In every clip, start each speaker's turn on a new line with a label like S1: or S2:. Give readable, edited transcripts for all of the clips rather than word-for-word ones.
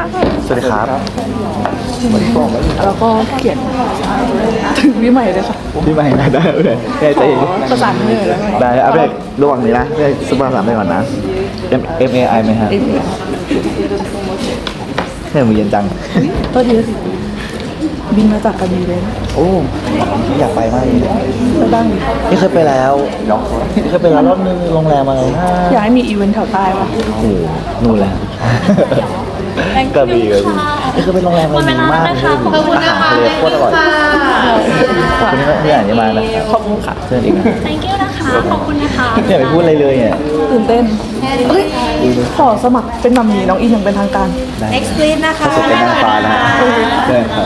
S1: ค่ะ
S2: สวัสดีครับ
S1: แล้วก็เขียนถึงพี่ใหม่เลยค่ะ
S2: พี่ใหม่ได้เลยได้ใจ
S1: ขอประสานมือแล้ว
S2: ได้เอาไประหว่างนี้นะได้สปาร์สามไปก่อนนะ M A I ไหมฮะเนี่ยมือเย็นจัง
S1: ก็ดีสิบินมาจากกระบี่เลยนะ
S2: โอ้อยากไปมากเลย
S1: ไปบ้าง
S2: นี่เคยไปแล้วเคยไปแล้วรอบนึงโรงแรมอะไรนะ
S1: อยากให้มีอีเวนต์แถวใต้ปะ
S2: โอ้โหนู่นแหละกระบี่นี่คือเป็นโรงแรมอะไรดีมากเลยอาหารทะเลโคตรอร่อยคนนี้ก็ที่อ่านนี้มานะครับ
S1: ขอบคุณค่ะ
S2: เชิญอีกนะ
S3: thank you นะคะ ขอบคุณนะคะ
S2: ไม่อยากไปพูดอะไรเลยเนี่ย
S1: ตื่นเต้นเอ้ยขอสมัครเป็นมัมมี่น้องอินอย่างเป็นทางการ
S3: next please นะคะ
S2: สุดเป็นนางฟ้าแล้วฮะเชิญครับ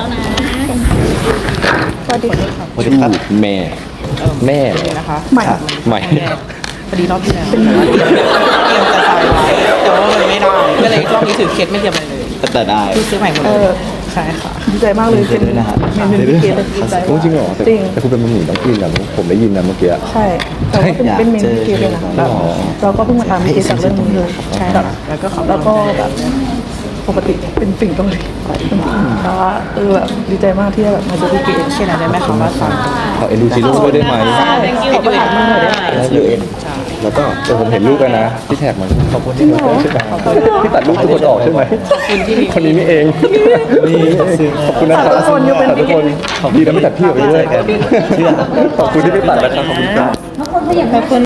S1: สวัสดีค่ะ
S2: สวัสดีครับแม่เลย
S4: นะคะ
S1: ใหม่
S2: ใหม่
S4: พอดีรอบที่แล้วเป็นแบบว่าเตรียมจะใส่ไว้แต่ว่ามันไม่ได้ก็เลยรอบนี้ถือเคสไม่เตรียมอะไรเลย
S2: แต่ได้
S4: คือซื้อใหม่หมด
S1: เอ
S4: เลย
S1: อ
S4: ใช่ค่ะ
S1: ดีใจมากเลย
S2: เชิญด้วยนะฮะ
S1: เมนูที่เกดดีใจ
S5: โอ้จริงเหรอแต่
S1: จริง
S5: แต่คุณเป็นมัมหมี่ต้องกินนะผมได้ยินนะเมื่อกี้
S1: ใช่ แต่ว่าเป็นเมนูที่เกดเลยนะเราก็เพิ่งมาตามเกดจากเรื่องนี้เลยใช่แล้วก็แบบปกติเป็นสิ่งเกาหลีแต่ว่าแบบดีใจมากที่ได้แบบมาเจอพี่เกด
S4: เช่นอะไรได้ไหมคะว่าสั่ง
S5: ขอเอ็นดูจิโร่ด้วยได้ไหม
S1: ขอประทานมือหน่อยได้ไหม
S5: แล้วก็แต่ผมเห็นรูปกันนะที่แท็กมันขอบคุณที่มาใช่ไหมที่ตัดรูปทุกคนออกใช่ไหมคนนี้นี่เอง
S2: นี่ซื้อ
S5: ขอบคุณนะครับ
S1: ทุกคนยังเป็น
S5: ทุกคนดีนะไม่ตัดพี่ออกไปด้วยขอบคุณที่ไม่ตัดนะครับขอบคุณครับ
S3: ขอบคุณ